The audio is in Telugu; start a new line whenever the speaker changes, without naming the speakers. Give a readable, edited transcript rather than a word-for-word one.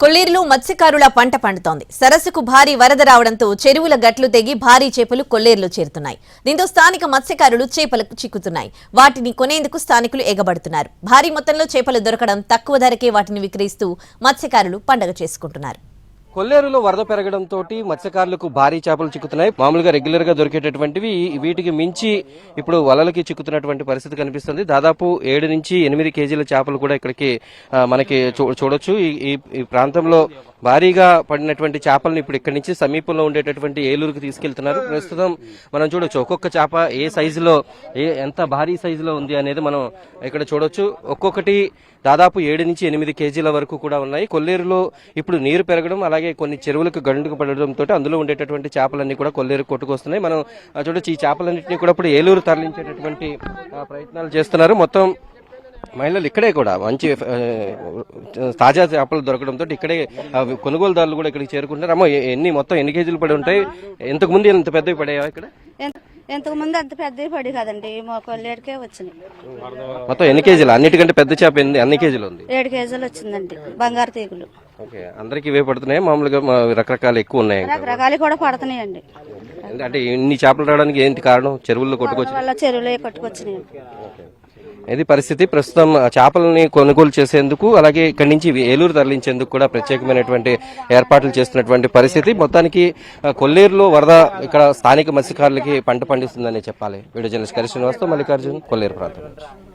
కొల్లేరులో మత్స్యకారుల పంట పండుతోంది. సరస్సుకు భారీ వరద రావడంతో చెరువుల గట్లు తెగి భారీ చేపలు కొల్లేరులో చేరుతున్నాయి. దీంతో స్థానిక మత్స్యకారులు చేపలకు చిక్కుతున్నాయి. వాటిని కొనేందుకు స్థానికులు ఎగబడుతున్నారు. భారీ మొత్తంలో చేపలు దొరకడం, తక్కువ ధరకే వాటిని విక్రయిస్తూ మత్స్యకారులు పండగ చేసుకుంటున్నారు.
కొల్లేరులో వరద పెరగడంతో మత్స్యకారులకు భారీ చేపలు చిక్కుతున్నాయి. మామూలుగా రెగ్యులర్ గా దొరికేటటువంటివి వీటికి మించి ఇప్పుడు వలలకి చిక్కుతున్నటువంటి పరిస్థితి కనిపిస్తుంది. దాదాపు 7 నుంచి 8 కేజీల చేపలు కూడా ఇక్కడికి మనకి చూడొచ్చు. ఈ ప్రాంతంలో భారీగా పడినటువంటి చేపలను ఇప్పుడు ఇక్కడి నుంచి సమీపంలో ఉండేటటువంటి ఏలూరుకి తీసుకెళ్తున్నారు. ప్రస్తుతం మనం చూడొచ్చు ఒక్కొక్క చేప ఏ సైజులో ఎంత భారీ సైజులో ఉంది అనేది మనం ఇక్కడ చూడొచ్చు. ఒక్కొక్కటి దాదాపు 7 నుంచి 8 కేజీల వరకు కూడా ఉన్నాయి. కొల్లేరులో ఇప్పుడు నీరు పెరగడం, అలాగే కొన్ని చెరువులకు గండుకు పడడంతో అందులో ఉండేటటువంటి చేపలన్నీ కూడా కొల్లేరు కొట్టుకొస్తున్నాయి. మనం చూడొచ్చు ఈ చేపలన్నింటినీ కూడా ఇప్పుడు ఏలూరు తరలించేటటువంటి ప్రయత్నాలు చేస్తున్నారు. మొత్తం మహిళలు ఇక్కడే కూడా మంచి తాజా చేపలు దొరకడంతో ఇక్కడే కొనుగోలుదారులు కూడా ఇక్కడికి చేరుకుంటున్నారు. అమ్మ మొత్తం ఎన్ని కేజీలు పడి ఉంటాయి? ఇంతకు ముందు ఎంత పెద్దవి పడాయా ఇక్కడ?
ఇంతకు ముందు అంత పెద్దవి పడి కదండి, మా కొల్లేరుకే వచ్చినాయి.
మొత్తం ఎన్ని కేజీలు? అన్నిటికంటే పెద్ద చేప అన్ని కేజీలు ఉంది?
7 కేజీలు వచ్చిందండి. బంగారు తీగులు.
ఓకే, అందరికి ఇవే పడుతున్నాయి? మామూలుగా రకరకాలు ఎక్కువ ఉన్నాయి?
రకరకాలు కూడా పడుతున్నాయండి.
అంటే ఇన్ని చేపలు రావడానికి ఏంటి కారణం? చెరువుల్లో కొట్టుకొచ్చి
చెరువులో కొట్టుకొచ్చినాయి.
ఇది పరిస్థితి. ప్రస్తుతం చేపలని కొనుగోలు చేసేందుకు, అలాగే ఇక్కడి నుంచి ఏలూరు తరలించేందుకు కూడా ప్రత్యేకమైనటువంటి ఏర్పాట్లు చేస్తున్నటువంటి పరిస్థితి. మొత్తానికి కొల్లేరులో వరద ఇక్కడ స్థానిక మత్స్యకారులకి పంట పండిస్తుందని చెప్పాలి. వీడియో జర్నలిస్ట్ కరి శ్రీనివాస్తో మల్లికార్జున్, కొల్లేరు ప్రాంతం నుంచి.